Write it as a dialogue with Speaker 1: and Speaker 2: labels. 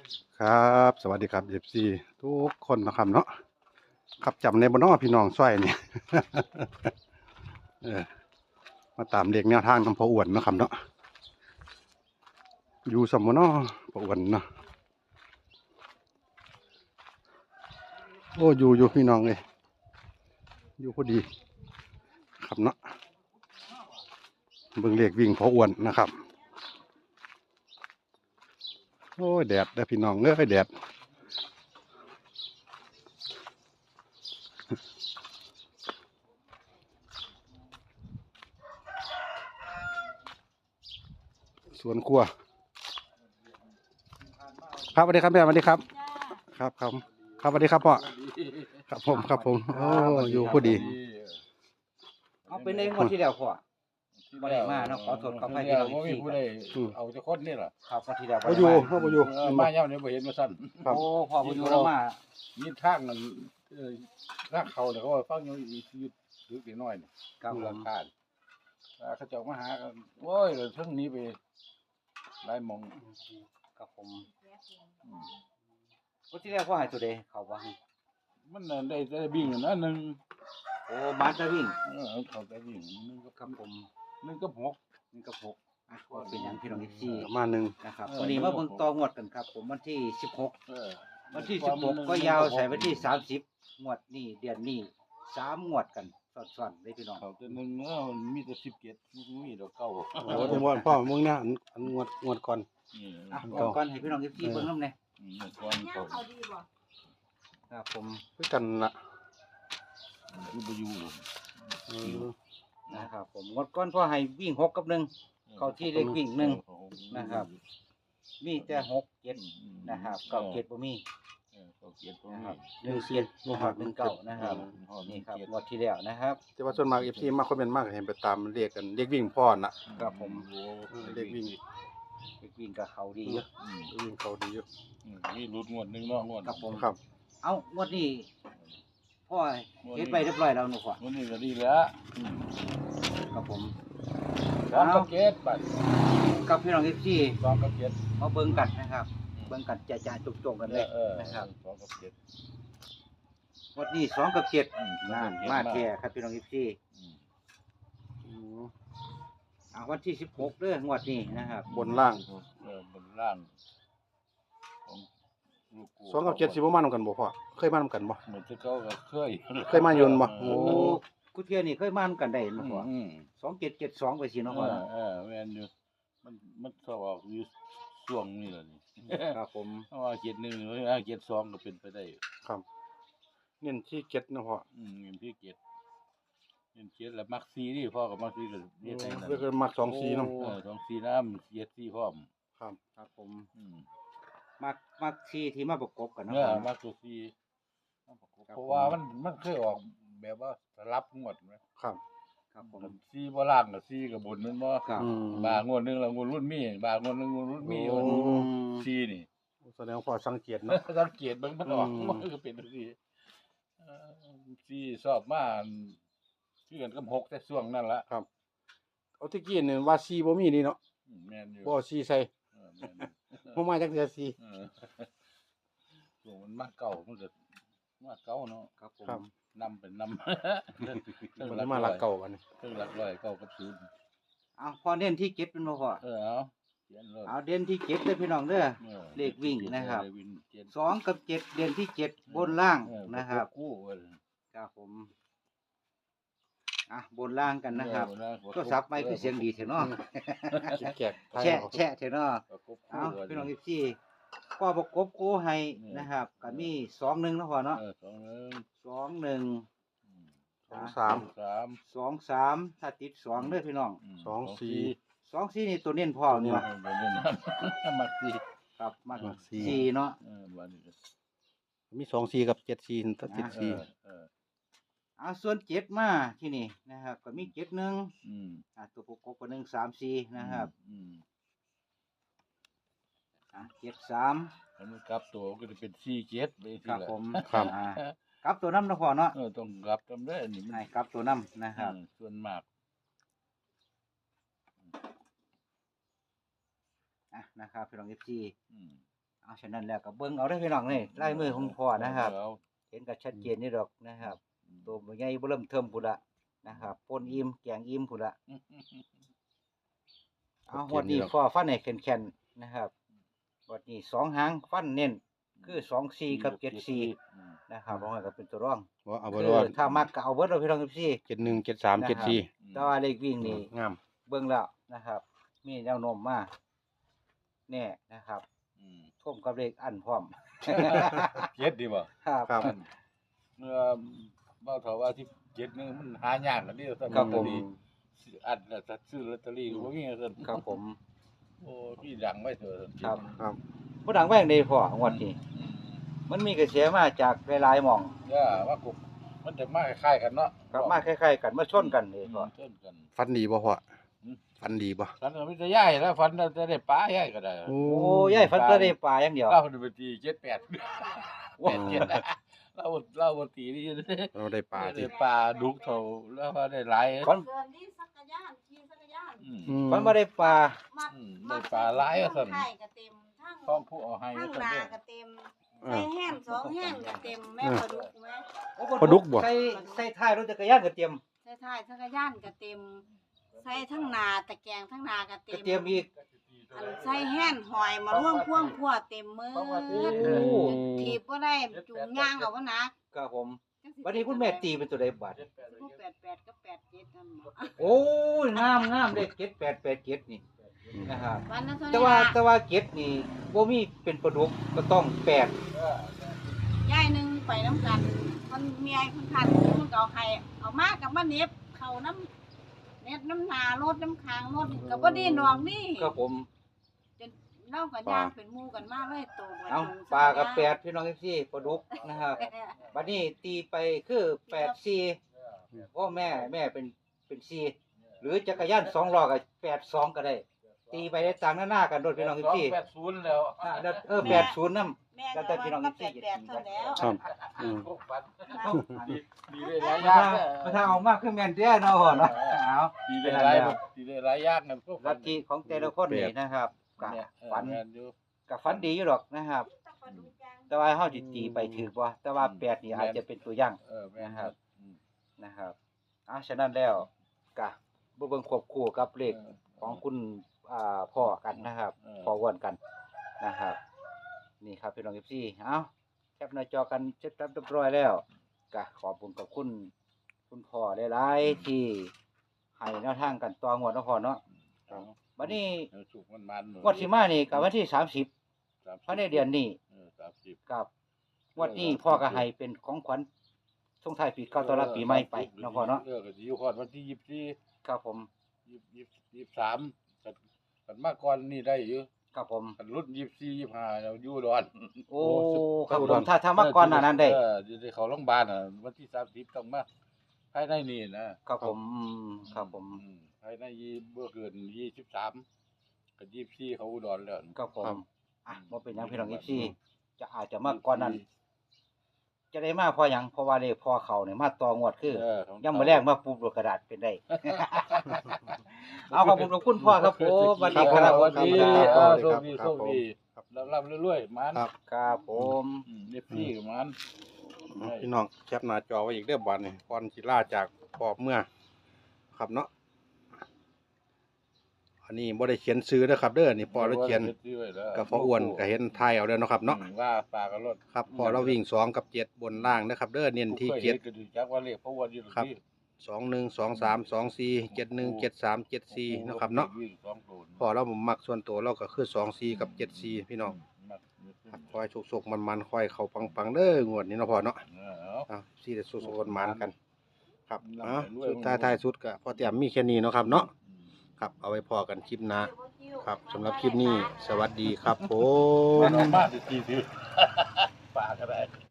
Speaker 1: ครับสวัสดีครับFCทุกคนนะครับเนาะครับจำในบ่เน้อพี่น้องซ้อยนี่ เออมาตามเด็กแนวทางน้ำพออ้วนเนาะครับเนาะอยู่สมบ่เนาะพออ้วนเนาะโอ้อยู่พี่น้องเลยอยู่พอดีครับเนาะเบิ่งเลขวิ่งพออ้วนนะครับโอ้ยแดดเด้อพี่น้องเอ้ยแดดสวนครัวครับสวัสดีครับแม่สวัสดีครับครับครับครับสวัสดีครับพ่อครับผมโอ้อยู่พอดี
Speaker 2: เอาเป็นในงวดที่แล้วพ่อบ่ได้มาเนาะขอโทษขออภัยที่เรา
Speaker 3: บ่มีผู้ใดเอาเจ้าคนนี่ล่ะ
Speaker 2: ครับงวดที่แล้ว
Speaker 1: บ่อยู่บ่อยู่
Speaker 3: มาย่ำนี้บ่เห็นมาสั่น
Speaker 1: ครับ
Speaker 2: โอ้พ่อบ่อยู่แล้วมา
Speaker 3: มีทางนั้นทางเขาเนี่ยเขาว่าฟังอยู่อยู่ดึกนิดหน่อยนี่
Speaker 2: ครับ
Speaker 3: ดู
Speaker 2: ผ
Speaker 3: ราม คาเขาเจ้ามาหากันโอ้ยเทั้งนี้ไปหลายหมอง
Speaker 2: ครับผมงวดที่แล้วพ่อให้ตัวใดเขาว่าให้
Speaker 3: มันน่ะได้บิ่งนะหนึ่ง
Speaker 2: โอ้มาจะวิ่ง
Speaker 3: เขาได้บิ่งหนึ่งกับ
Speaker 2: ครับผม
Speaker 3: หนึ่งกับหก
Speaker 2: นี่กับ6อ่ะก็เป็นหยังพี่น้องที่
Speaker 1: ประมาณหนึ่ง
Speaker 2: นะครับวันนี้มาเบิ่งต่องวดกันครับ ผมวันที่16
Speaker 3: เออ
Speaker 2: วันที่16ก็ยาวใส่วันที่30งวดนี้เดือนนี้3งวดกันซ้อนๆเลยพี่น้อง
Speaker 3: เขาจะหนึ่งมันมีแต่17มีดอกเก้า
Speaker 1: โอ้ที่ว่าพ่อมึงเนี่ยอันงวดก่อน
Speaker 2: อ่ะก่อนให้พี่น้องที่เบิ่งนำแน่
Speaker 3: ก่อนเขา
Speaker 2: ครับผม
Speaker 1: คือกันละ
Speaker 3: คือบ่อยู่
Speaker 1: เออ
Speaker 2: นะครับผมงวดก่อนพ่อให้วิ่ง6กับ1 เข้าที่เลขวิ่งนะครับ มีแต่6 7นะครับ9 7บ่มี
Speaker 3: เขาเกียรติ
Speaker 2: นะครับ1 7นะครับ1 9นะครับนี่ครับงวดที่แล้วนะครับ
Speaker 1: แต่ว่าส่วนมาก FC มาคอมเมนต์มากเห็นไปตามเรียกกันเรียกวิ่งพ่อน่ะ
Speaker 2: ครับผม
Speaker 1: เรียกวิ่ง
Speaker 2: เลขวิ่งกับเขาดีอยู่
Speaker 1: วิ่งเขาดีอยู่
Speaker 3: นี่รุดงวดหนึ่งเนาะงวด
Speaker 2: ครับผม
Speaker 1: ครับ
Speaker 2: เอ้างวดนี้พ่อเฮ็ดไปเรียบร้อยแล้วหนูพ่อง
Speaker 3: วดนี้ก็ดีแล้ว
Speaker 2: ครับผม
Speaker 3: สองกับเจ็ดบัด
Speaker 2: กับพี่น้อง FC
Speaker 3: สองกับเจ็ด
Speaker 2: มาเบิ่งกันนะครับ เบิ่งกันจะจงๆกันเลยนะครับ
Speaker 3: สองกับเจ็ด
Speaker 2: งวดนี้2กับ7นั่นมาแท้ครับพี่น้อง FC
Speaker 1: อืม
Speaker 2: วันที่16เด้องวดนี้นะครับ
Speaker 1: บนล่าง
Speaker 3: บนล่างของลูกกู
Speaker 1: 2กับ7สิบ่มานำกันบ่พ่อเคยมานำกันบ่
Speaker 3: เหมือนที่เขาก็เคย
Speaker 1: เคยมาโยนบ่โอ้
Speaker 2: โอ้กูเที่ยนี่เคยมานํกันได้เนาะพ่อ
Speaker 3: อืม
Speaker 2: 2772ไปสิเนาะพ่อเนาะ
Speaker 3: แม่นอยู่มันชอบออกอยู่ช่วงนี้แหละนี่
Speaker 2: ครับผม
Speaker 3: เพราะว่าเจ็ดหนึ่งหรือว่าเจ็ดสองก็เป็นไปได้
Speaker 1: ครับเน้นที่7นะพ่อ
Speaker 3: เงินพี่เจ็ดเงินเจ็ดแล้วมักซีนี่พ่อกับมักซีก็เรียกได้นั่น
Speaker 1: เรียกกันมัก2 4นำ
Speaker 3: สองซีน้ำเจ็ดซีพร้อม
Speaker 1: ครับ
Speaker 2: ครับผมมักที่ที่มาประกบกันเนาะ
Speaker 3: เนื้อ
Speaker 2: พ่อ
Speaker 3: มักตัวซีเพราะว่ามันเคยออกแบบว่าสลับงวดไหม
Speaker 1: ครับ
Speaker 2: ครับผม
Speaker 3: ซีบ่ล่างกับซีกับบนนั่นบ่
Speaker 2: ครับ
Speaker 1: อืม
Speaker 3: บางงวดหนึงแล้วงวดรุ่นมีบางงวดหนึงงวดรุ่นมี
Speaker 1: โอ้
Speaker 3: ซีนี่
Speaker 1: แสดงว่าพ่อสังเกตเนาะ
Speaker 3: สังเกตเบิ่งมันออก
Speaker 1: อืม
Speaker 3: มันก็เป็นซีซีชอบมาคือกันกับหกแต่ช่วงนั้นละ
Speaker 1: ครับเอาที่กี้นี่ว่า4บ่มีนี่เนาะ
Speaker 3: แม่นอยู่
Speaker 1: บ่4ใส่
Speaker 3: แม่นอยู่
Speaker 1: บ่มาจักเทื่อ
Speaker 3: เออช่วงมันมาเก่ามันก็มาเก่าเนาะ
Speaker 2: ครับผม
Speaker 1: ครับ
Speaker 3: นำเป็นนำ
Speaker 1: 4มันมาลักเก่าบัดนี้
Speaker 3: เครื่องหลักร้อยเก่ากับศูนย์
Speaker 2: เอาพอเด่นที่เก็บเป็นบ่พอ
Speaker 3: เอาเขียนเลย
Speaker 2: เอาเด่นที่เก็บเด้อพี่น้องเด้อ
Speaker 3: ออ
Speaker 2: เลขวิ่งนะครับ
Speaker 3: เลขวิ่งเจ็ด
Speaker 2: 2กับ7เด่นที่7บนล่าง
Speaker 3: เออ
Speaker 2: นะครับ
Speaker 3: กู้เออ
Speaker 2: ครับผมบนล่างกันนะครับ
Speaker 3: เออ
Speaker 2: ก็ซับไม่คือเสียงดีเถอะเนาะ
Speaker 1: แจกไทย
Speaker 2: แชะเถอะเนาะ
Speaker 3: ประกบ
Speaker 2: เอา
Speaker 3: คู่
Speaker 2: พี่น้องที่พ่อประกบคู่ให้นะครับก็มี2-1เนาะพ่อเนาะ
Speaker 3: สองหนึ่ง
Speaker 2: 2-1
Speaker 1: สาม
Speaker 3: สาม
Speaker 2: 2-3ถ้าติด2เด้อพี่น้อง
Speaker 1: สองสี่
Speaker 2: 2-4นี่ตัวเน้นพ่อ
Speaker 3: เนี่
Speaker 2: เนาะ
Speaker 3: เป็นเรื่องนั้นมักดี
Speaker 2: ครับมาก
Speaker 1: มักสี่
Speaker 2: 4เนาะ
Speaker 3: บัดนี้
Speaker 1: มี2 4กับ7 4ตัดติด
Speaker 3: เออ
Speaker 1: 4
Speaker 3: เออ
Speaker 2: ส่วน7มาที่นี่นะครับก็มี7-1
Speaker 3: อืม
Speaker 2: ตัวประกบก็1-3-4นะครับ
Speaker 3: อืม
Speaker 2: 7-3
Speaker 3: แล้วมันกลับตัวก็จะเป็นสี่เจ็ดไปที
Speaker 2: ครับ
Speaker 3: ละ
Speaker 2: ผม
Speaker 1: ครับ
Speaker 2: กลับตัวน้ำเนาะพ่อเนาะ
Speaker 3: ต้องกลับจำได้อันนี้มัน
Speaker 2: ให้กลับตัวน้ำนะครับ
Speaker 3: ส่วนมาก
Speaker 2: นะครับพี่น้องเอฟซี
Speaker 3: อืม
Speaker 2: เอาฉะนั้นแล้วก็เบิ่งเอาเด้อพี่น้องนี่ลายมือของพ่อนะครับ
Speaker 3: เอา
Speaker 2: เห็นก็ชัดเจนนี่ดอกนะครับตัวบ่ใหญ่บ่เริ่มเทิมพุ่นละนะครับปนอิ่มแกงอิ่มพุ่นละเอาวันนี้พ่อฟันให้แข็งๆนะครับวันนี้2หางฟันเน้นคือ24กับ74นะครับบ่ให้ก็เป็นตัวรอง
Speaker 1: ว่าเอา
Speaker 2: คื
Speaker 1: บ่รอด
Speaker 2: ถ้ามักก็เอาเบิดเอาพี่น้องพี่
Speaker 1: 71 73 74
Speaker 2: แต่ว่าเลขวิ่งนี่
Speaker 1: งาม
Speaker 2: เบิ่งแล้วนะครับ มีแนวโน้มมาแน่นะครับท่วมกับเลขอันพร้อม
Speaker 3: เจ็ดดีบ่
Speaker 2: ครับ
Speaker 1: ครับ
Speaker 3: เมื่อเบ้าเถาว่าที่เจ็ดนึงมันหายากกันเดียวซั่น
Speaker 2: ครับผม
Speaker 3: ซื้ออัดแล้วซื้อลอตเตอรี่ก็บ่มีซั่น
Speaker 2: ครับผม
Speaker 3: โอ้พี่ดังไว้เถอะ
Speaker 2: ครับ
Speaker 1: ครับ
Speaker 2: บ่ดังแว่งได้พองวดนี้มันมีกระแสมาจากหลายๆหม่อง
Speaker 3: ย่าว่ากูมันจะมาคล้ายๆกันเนาะ
Speaker 2: ครับมาคล้ายๆกันมาชนกันนี่พ่อ
Speaker 3: เช่นกัน
Speaker 1: ฟันดีบ่พ่อ
Speaker 3: อืม
Speaker 1: ฟันดีบ่
Speaker 3: ฝันก็มีแต่ย่ายแล้วฝันจะได้ปลาย่ายก็ได้
Speaker 1: โอ้
Speaker 2: โอ้ยายฟันก็ได้ปลาอย่างเดียว
Speaker 3: เราไปตี78
Speaker 2: โอ้
Speaker 3: เราบ่ตีนี่
Speaker 1: เราได้ปลา
Speaker 3: ได้
Speaker 1: ที่
Speaker 3: ปลาดุกเท่าแล้วก็ได้หลาย
Speaker 2: ฟัน
Speaker 4: เกินที่จักรยานขี่จักรยาน
Speaker 3: อืม
Speaker 1: อืม
Speaker 2: ฟันบ่ได้ปลา
Speaker 4: มัด
Speaker 3: ได้ปลาหลายอะสั่น
Speaker 4: ทั้งไข่ก็เต็มทั้ง
Speaker 3: พร้อมผู้เอาให้
Speaker 4: ทั้ง
Speaker 3: ซั่น
Speaker 4: นา
Speaker 3: เด้อ
Speaker 4: ก็เต็ม
Speaker 1: อ่า
Speaker 4: ใส่แห้ง2แห้งก็เต็มแม่ปลาดุกไหม
Speaker 2: โอ้
Speaker 1: ปลาดุกบ่
Speaker 2: ใส่ท้ายรถจักรยานก็เตรียม
Speaker 4: ใส่ท้ายจักรยานก็เต็มใส่ทั้งนาตะแกรงทั้งนาก็เต็
Speaker 2: ก็
Speaker 4: ม
Speaker 2: เตรียมอีก
Speaker 4: อันใส่แห้งหอยมาร่วงพ่วงพัวเต็มมือ
Speaker 2: โอ้
Speaker 4: ถีบบ่ได้จูงย่างเอาบ่นัก
Speaker 2: ครับผมวันนี้คุณแม่ตีเป็นตัวใดบาด
Speaker 4: 88กับ87นั่นบ่
Speaker 2: โอ้ยงามเลข7887นี่นะครับ
Speaker 4: วันนั้นเท่า
Speaker 2: แต่
Speaker 4: นี้
Speaker 2: ว่า
Speaker 4: ล่ะ
Speaker 2: แต่ว่าเก็ดนี่บ่มีเป็นปลาดุกก็ต้องแปด
Speaker 4: ยายหนึงไปนํกันมันเมียเพิ่นคันมันก็เอาให้เอามากับมาเน็บเข้าน้ำเน็บน้ำหนารถน้ำค้างรถก็บ่ได้นอกนี่
Speaker 2: ครับผม
Speaker 4: จนเล่ากับย่างเป็นหมู่กันมาเลยโตกัน
Speaker 2: เอาปลากับแปดพี่น้องพี่ปลาดุกนะครับบัดนี้ตีไปคือ84พ่อแม่เป็น4หรือจักรยาน2ล้อก็82ก็ได้ ตีไปได้ต่างหน้ากันโดดพี่น้องพี่
Speaker 3: 80แล้ว
Speaker 2: 80นำ
Speaker 4: แม่
Speaker 2: แล้วแต่พี่น้อง
Speaker 4: ก็
Speaker 2: พี่
Speaker 4: แปดเท่าแล้ว
Speaker 1: ครับอืม
Speaker 3: ดีได้หลาย
Speaker 2: ถ้า
Speaker 3: อย่าง
Speaker 2: ถ้าเอามากคือแม่นแท้เนาะเนาะเอา
Speaker 3: ดีได้หลายดีได้หลายอย่างนะพวก
Speaker 2: ลัทธิของแต่ละคนนี่นะครับก็ฝันก็ฝันดีอยู่หรอกนะครับ แต่ว่าเฮาสิตีไปถือบ่แต่ว่า8นี่อาจจะเป็นตัวอย่าง
Speaker 3: แม่น
Speaker 2: นะครับฉะนั้นแล้วก็บ่เบิ่งควบคู่กับเลขของคุณพ่อกันนะครับพ่ออ้วนกันนะครับ นี่ครับพี่น้อง FC แคปหน้าจอกันเสร็จเรียบร้อยแล้วก็ขอบคุณกับคุณพ่อหลายๆที่ให้แนวทางกันต่องวดเนาะพ่อเนาะบัดนี้
Speaker 3: สุกมัน
Speaker 2: งวดสิมานี่ก็วันที่30ภายในเดือนนี้
Speaker 3: 30
Speaker 2: ครับงวดนี้พ่อก็ให้เป็นของขวัญส่งท้ายปีเก่าต้อนรับปีใหม่ไปเนาะพ่อเนาะ
Speaker 3: ก็สิอยู่ฮอดวันที่24
Speaker 2: ครับผม
Speaker 3: 23กันมาก่อนนี่ได้อยู่
Speaker 2: ครับผม
Speaker 3: กันรุ่น24 25เราอยู่ดอน
Speaker 2: โอ้ครับผมถ้ามาก่อนหน้านั้นได้
Speaker 3: ได้เข้าโรงพยาบาลวันที่30ต้องมาภายในนี่นะครับ
Speaker 2: ผมครับผม
Speaker 3: ภายในบ่เกิน23กับ24เขาอุดรแล้ว
Speaker 2: ครับผม
Speaker 1: ครับ
Speaker 2: บ่เป็นหยังพี่น้องFC จะอาจจะมาก่อนนั้น จะได้มาเพราะหยังเพราะว่าเลขพ่อเขาเนี่ยมาต่องวดคือ ยังมื้อแรกมาปุ๊บโดดกระดาษเป็นได้ เอาขอบคุณพ่อครับผมสวัสดีครับ
Speaker 3: สวัสดี
Speaker 1: ครับ
Speaker 3: โชคดี
Speaker 1: ค
Speaker 3: โช
Speaker 1: รับ
Speaker 3: คดีร่ำรวยๆมัน
Speaker 1: ครับ
Speaker 2: ครับผม
Speaker 3: เอฟซีกับมัน
Speaker 1: พี่น้องแคปหน้าจอไว้อีกเด้อบัดนี้ก่อนสิลาจากปอบเมื่อครับเนาะอันนี้บ่ได้เขียนซื้อนะครับเด้อนี่พอเราเขียนกับพ่ออ้วนก็เห็นทายเอาแล้วเนาะครับเนาะ
Speaker 3: ว่าปลากระรด
Speaker 1: ครับพอเราวิ่ง2กับ7บนล่างนะครับเด้อเน้นที่
Speaker 3: ก็ดูจักว่าเลขพ่ออ้วนอยู่
Speaker 1: ครับ 7 2 1 2 3 2 4 7 1 7 3 7 4นะครับเนาะพอเรามักส่วนตัวเราก็คือ2 4กับ7 4พี่น้องครับคอยสุกๆมันๆคอยเข้าปังๆเด้องวดนี้เนาะพอเนาะสิได้สุกๆมันๆกัน ครับสุดท้ายสุดก็พอเตรียมมีแค่นี้เนาะครับเนาะครับเอาไว้พอกันคลิปหน้าครับสำหรับคลิปนี้สวัสดีครับผม
Speaker 3: มันออกมาดีๆปลาก็ได้